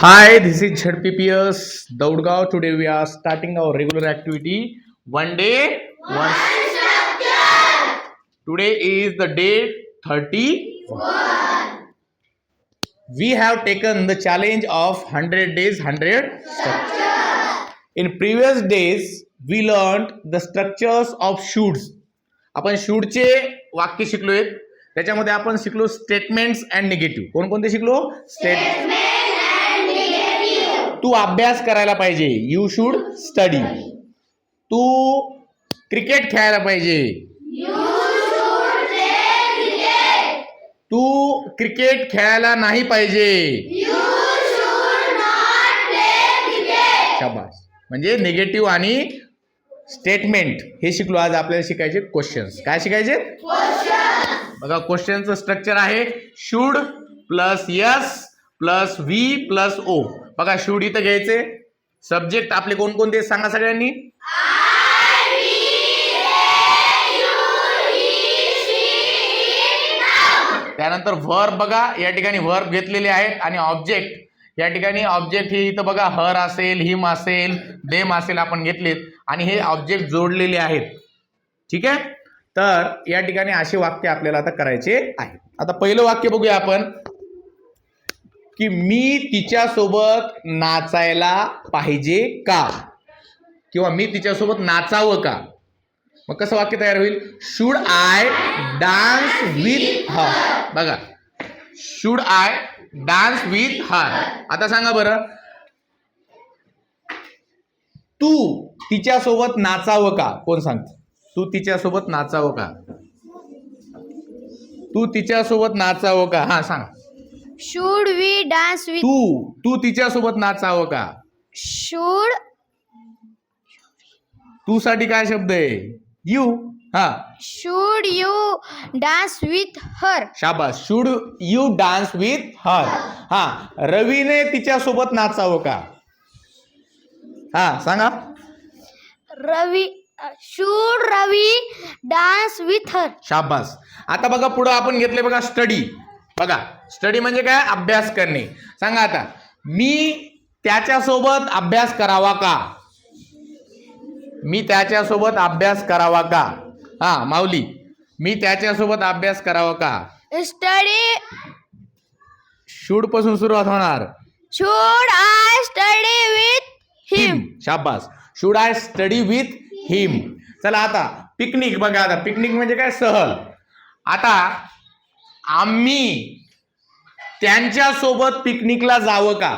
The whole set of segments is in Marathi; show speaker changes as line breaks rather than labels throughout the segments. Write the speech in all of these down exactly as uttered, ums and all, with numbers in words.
Hi, this is Z P P S Daudgaon. Today we are starting our regular activity. One day, one. Today is the day thirty-one. We have taken the challenge of one hundred days, one hundred structures. In previous days, we learned the structures of shoots. आपण शूडचे वाक्य शिकलोय. त्याच्यामध्ये आपण शिकलो स्टेटमेंट्स अँड निगेटिव्ह. कोणकोणते शिकलो? स्टेटमेंट. तू अभ्यास करायला पाहिजे. You should study. तू क्रिकेट खेळायला पाहिजे. तू क्रिकेट खेळायला नाही पाहिजे. शाबास. म्हणजे निगेटिव्ह आणि स्टेटमेंट हे शिकलो. आज आपल्याला शिकायचे क्वेश्चन्स. काय शिकायचे? बघा, क्वेश्चनचं स्ट्रक्चर आहे should plus S plus V plus O. बघा, शुड इथं घ्यायचे. सब्जेक्ट आपले कोणकोणते सांगा सगळ्यांनी. त्यानंतर व्हर्ब बघा, या ठिकाणी व्हर्ब घेतलेले आहेत. आणि ऑब्जेक्ट, या ठिकाणी ऑब्जेक्ट हे इथं बघा हर असेल, हिम असेल, देम असेल आपण घेतलेत. आणि हे ऑब्जेक्ट जोडलेले आहेत. ठीक आहे. तर या ठिकाणी असे वाक्य आपल्याला आता करायचे आहे. आता पहिलं वाक्य बघूया आपण की मी तिच्यासोबत नाचायला पाहिजे का, किंवा मी तिच्यासोबत नाचावं का. मग कसं वाक्य तयार होईल? Should I dance with her. बघा, should I dance with her. आता सांगा बरं, तू तिच्यासोबत नाचावं का. कोण सांगत? तू तिच्यासोबत नाचावं का. तू तिच्यासोबत नाचावं का. हा सांग.
Should we dance with?
तू तू तिच्यासोबत नाचावं का.
Should
तू साठी काय शब्द आहे? यू. हा,
Should you dance with her?
शाबास. Should you dance with her. हा, रवीने तिच्यासोबत नाचावं का. हा सांगा.
Ravi. uh, Should Ravi dance with her?
शाबास. आता बघा पुढं आपण घेतले बघा स्टडी. बघा, स्टडी म्हणजे काय? अभ्यास करणे. सांगा आता, मी त्याच्यासोबत अभ्यास करावा का. मी त्याच्यासोबत अभ्यास करावा का. हा माऊली, मी त्याच्यासोबत अभ्यास करावा का.
Study.
शुड पासून सुरुवात होणार.
Should I study with him?
शाबास. Should I study with him. चला आता पिकनिक बघा. आता पिकनिक म्हणजे काय? सहल. आता आम्ही त्यांच्यासोबत पिकनिकला जावं का.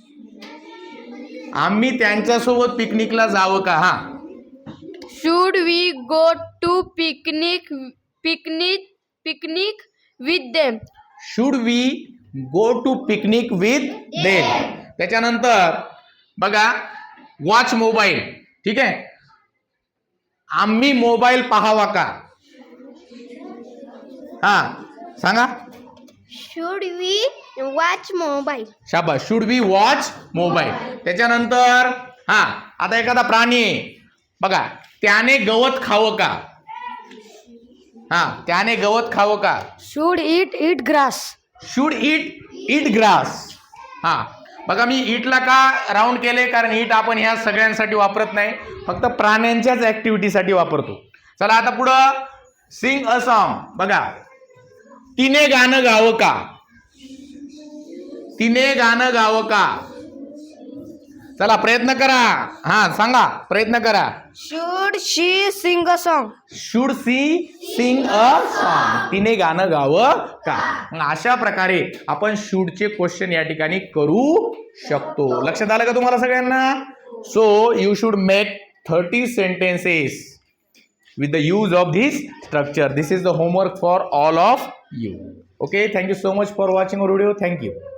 आम्ही त्यांच्यासोबत पिकनिकला जावं का. हा,
Should we go to picnic picnic picnic with them?
Should we go to picnic with them. त्याच्यानंतर बघा वॉच मोबाईल. ठीक आहे. आम्ही मोबाईल पाहावा का. हा सांगा.
Should we watch mobile?
शाबास. Should we watch mobile. त्याच्यानंतर हा, आता एखादा प्राणी आहे बघा, त्याने गवत खावं का. हा, त्याने गवत खावं का.
Should it eat grass?
Should it eat grass. हा बघा, मी इटला का राऊंड केले, कारण इट आपण ह्या सगळ्यांसाठी वापरत नाही, फक्त प्राण्यांच्याच ऍक्टिव्हिटीसाठी वापरतो. चला आता पुढं सिंग अ सॉन्ग. बघा, तिने गाणं गावं का. तिने गाणं गावं का. चला प्रयत्न करा. हा सांगा, प्रयत्न करा.
Should she sing a song?
Should she sing a song. तिने गाणं गावं का. अशा प्रकारे आपण शूडचे क्वेश्चन या ठिकाणी करू शकतो. लक्षात आलं का तुम्हाला सगळ्यांना. So you should make thirty sentences with the use of this structure. This is the homework for all of you. Okay, thank you so much for watching our video. Thank you.